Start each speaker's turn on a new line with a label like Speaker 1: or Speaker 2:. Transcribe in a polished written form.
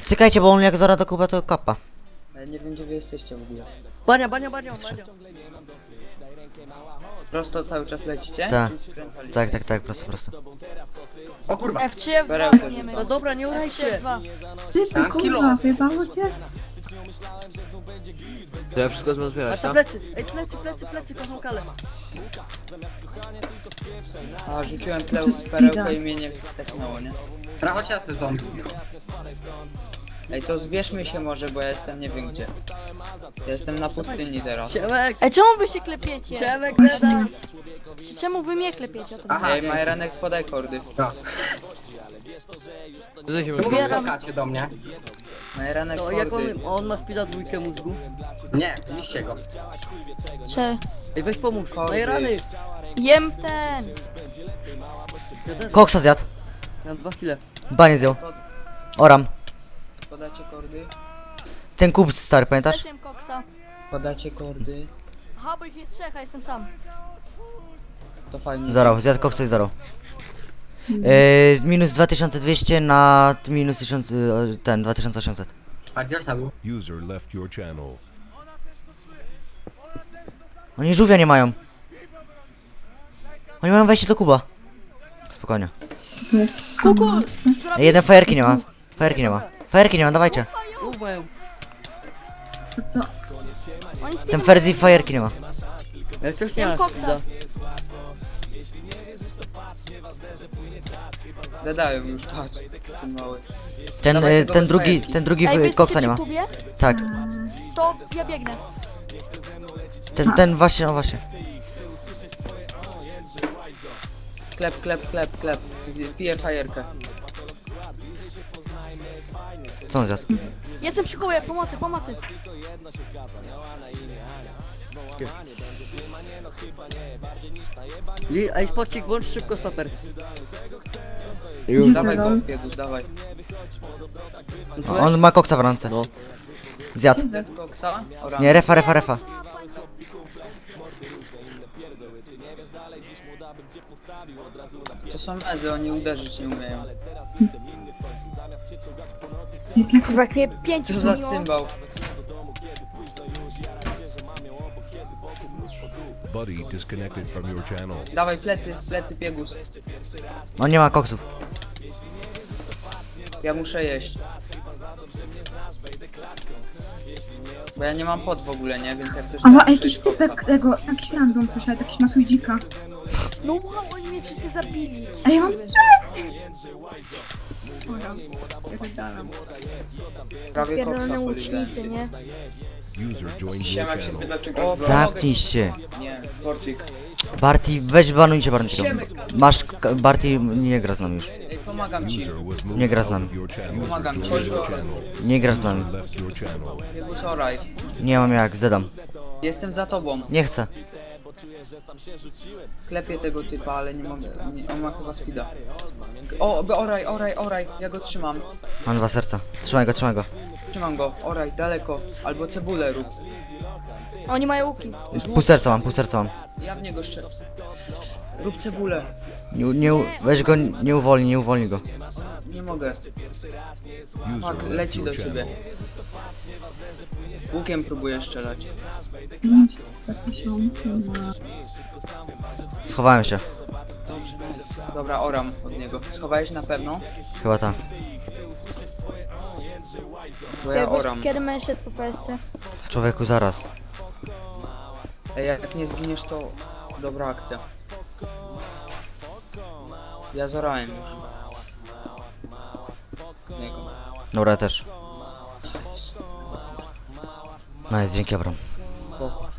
Speaker 1: Cykajcie, bo on jak zora do Kuba to kapa.
Speaker 2: Ale nie wiem, gdzie wy jesteście w ogóle.
Speaker 3: Bania.
Speaker 2: Prosto cały czas lecicie?
Speaker 1: Tak.
Speaker 2: Czy skręcaliście?
Speaker 1: Tak, prosto.
Speaker 4: O kurwa.
Speaker 5: F3,
Speaker 2: Perełkę
Speaker 5: F2 nie
Speaker 3: No dobra, nie urajcie.
Speaker 5: F2.
Speaker 6: Ty,
Speaker 4: Tak, kilo.
Speaker 6: kurwa, wyjebało cię?
Speaker 7: To ja wszystko
Speaker 3: A
Speaker 7: zbierać,
Speaker 3: ta
Speaker 7: tak?
Speaker 3: plecy. Ej, plecy, kocham kalę.
Speaker 2: A, rzuciłem
Speaker 6: To speeda.
Speaker 2: perełkę i mnie nie wsteknęło, nie?
Speaker 4: Chodź na te zombie.
Speaker 2: Ej, to zbierzmy się może, bo ja jestem nie wiem gdzie. Ja jestem na pustyni teraz.
Speaker 3: Ciemek,
Speaker 5: Ej, czemu wy się klepiecie?
Speaker 3: Ciemek,
Speaker 6: Właśnie.
Speaker 5: Czemu wy mnie klepiecie? O to
Speaker 4: Aha,
Speaker 2: Ej, Majranek, podaj kordy.
Speaker 4: no.
Speaker 7: Tutaj się
Speaker 4: Czemu
Speaker 5: Zbieram.
Speaker 4: wyskacie do mnie?
Speaker 2: Majranek,
Speaker 3: To jak
Speaker 2: kordy.
Speaker 3: on ma speeda dwójkę mózgu.
Speaker 4: Nie, niszcie go.
Speaker 5: Cze.
Speaker 3: Ej, weź pomóż.
Speaker 2: Kordy.
Speaker 3: No i rany.
Speaker 5: Jem ten.
Speaker 1: Koksa zjadł.
Speaker 3: Ja mam 2 kile.
Speaker 1: Banie zjął. Oram.
Speaker 2: Podacie kordy.
Speaker 1: Ten Kub stary, pamiętasz?
Speaker 5: Też jem koksa.
Speaker 2: Podacie kordy.
Speaker 5: Aha, bo ich jest trzech, a jestem sam.
Speaker 2: To fajnie.
Speaker 1: Zarał, zjadł koksa i zarał. Minus 2200 na minus 1000, ten 2800.
Speaker 4: A gdzie szedł?
Speaker 8: User left your channel.
Speaker 1: Oni żółwia nie mają. Oni mają wejście do Kuba. Spokojnie.
Speaker 6: To jest
Speaker 5: Kuku!
Speaker 1: Ej, jeden fajerki nie ma. Fajerki nie ma, dawajcie.
Speaker 3: Mają.
Speaker 6: to
Speaker 5: Oni spiją.
Speaker 1: Ten Ferzi fajerki nie ma.
Speaker 3: Ja wciąż nie
Speaker 5: Jem
Speaker 3: mam
Speaker 5: koksa.
Speaker 3: speeda.
Speaker 2: Gadają już, patrz. Ten mały.
Speaker 1: Ten,
Speaker 2: Dawaj tego fajerki.
Speaker 1: ten drugi
Speaker 5: Ej, wy
Speaker 1: koksa nie ma.
Speaker 5: jesteście w Kubie?
Speaker 1: Tak.
Speaker 5: To ja biegnę.
Speaker 1: Ten właśnie, no właśnie.
Speaker 2: Klep. Piję fajerkę.
Speaker 1: Co on zjadł?
Speaker 5: Jestem przy Kubie, pomocy.
Speaker 3: Ej, spocik, włącz szybko stoper.
Speaker 6: nie
Speaker 2: Dawaj go,
Speaker 6: pedał.
Speaker 2: Piegus, dawaj.
Speaker 1: On ma koksa w ręce.
Speaker 7: No.
Speaker 1: Zjadł.
Speaker 2: Dead koksa? Orange.
Speaker 1: Nie, refa.
Speaker 2: To są mezy, oni uderzyć nie umieją.
Speaker 6: Jak
Speaker 5: Kurwa, jak mnie 5
Speaker 2: Co za cymbał?
Speaker 8: Buddy disconnected from your channel.
Speaker 2: Dawaj plecy Piegus.
Speaker 1: On nie ma koksów.
Speaker 2: Ja muszę jeść. Bo ja nie mam pot w ogóle, nie? Więc jak coś
Speaker 6: Ała,
Speaker 2: tam
Speaker 6: jakiś
Speaker 2: przyjść
Speaker 6: typek tego, jakiś random przyszedł, jakiś masudzika.
Speaker 5: No wow, oni mnie wszyscy zabili.
Speaker 6: Ej, ja mam 3!
Speaker 2: Prawie
Speaker 5: Pierdolone
Speaker 2: koksa polizałem.
Speaker 5: łucznicy, nie?
Speaker 8: User joined your
Speaker 2: Siemak się
Speaker 8: channel.
Speaker 2: pyta, czy go...
Speaker 1: Zamknij się.
Speaker 2: Nie, sporcik.
Speaker 1: Barty, weź banujcie Bartiego. Masz, Barty nie gra z nami już.
Speaker 2: Ej, pomagam ci.
Speaker 8: User was moved
Speaker 1: Nie gra z
Speaker 8: out
Speaker 1: nami.
Speaker 8: of your channel.
Speaker 2: Pomagam ci.
Speaker 1: Nie gra z nami.
Speaker 8: Left your channel.
Speaker 2: Piegus, oraj.
Speaker 1: Nie mam jak, zedam.
Speaker 2: Jestem za tobą.
Speaker 1: Nie chcę.
Speaker 2: Klepię tego typa, ale nie mogę. Nie, on ma chyba speeda. Oraj. Ja go trzymam.
Speaker 1: Mam 2 serca. Trzymaj go.
Speaker 2: Trzymam go. Oraj, daleko. Albo cebulę rób.
Speaker 5: Oni mają łuki.
Speaker 1: Pół serca mam.
Speaker 2: Ja w niego strzelam. Rób cebulę.
Speaker 1: Weź go, nie uwolni go.
Speaker 2: Nie mogę.
Speaker 8: User
Speaker 2: Tak,
Speaker 8: left
Speaker 2: leci
Speaker 8: your
Speaker 2: do ciebie.
Speaker 8: channel.
Speaker 2: Łukiem próbuję strzelać.
Speaker 1: Schowałem się.
Speaker 2: Dobrze, nice. Dobra, oram od niego. Schowałeś na pewno?
Speaker 1: Chyba tak.
Speaker 2: Bo ja oram.
Speaker 5: Kiedy będę szedł po PSC?
Speaker 1: Człowieku, zaraz.
Speaker 2: Ej, jak nie zginiesz, to dobra akcja. Ja zorałem już. Od niego.
Speaker 1: Dobra, ja też. Nice, dzięki Abram.
Speaker 2: Spoko.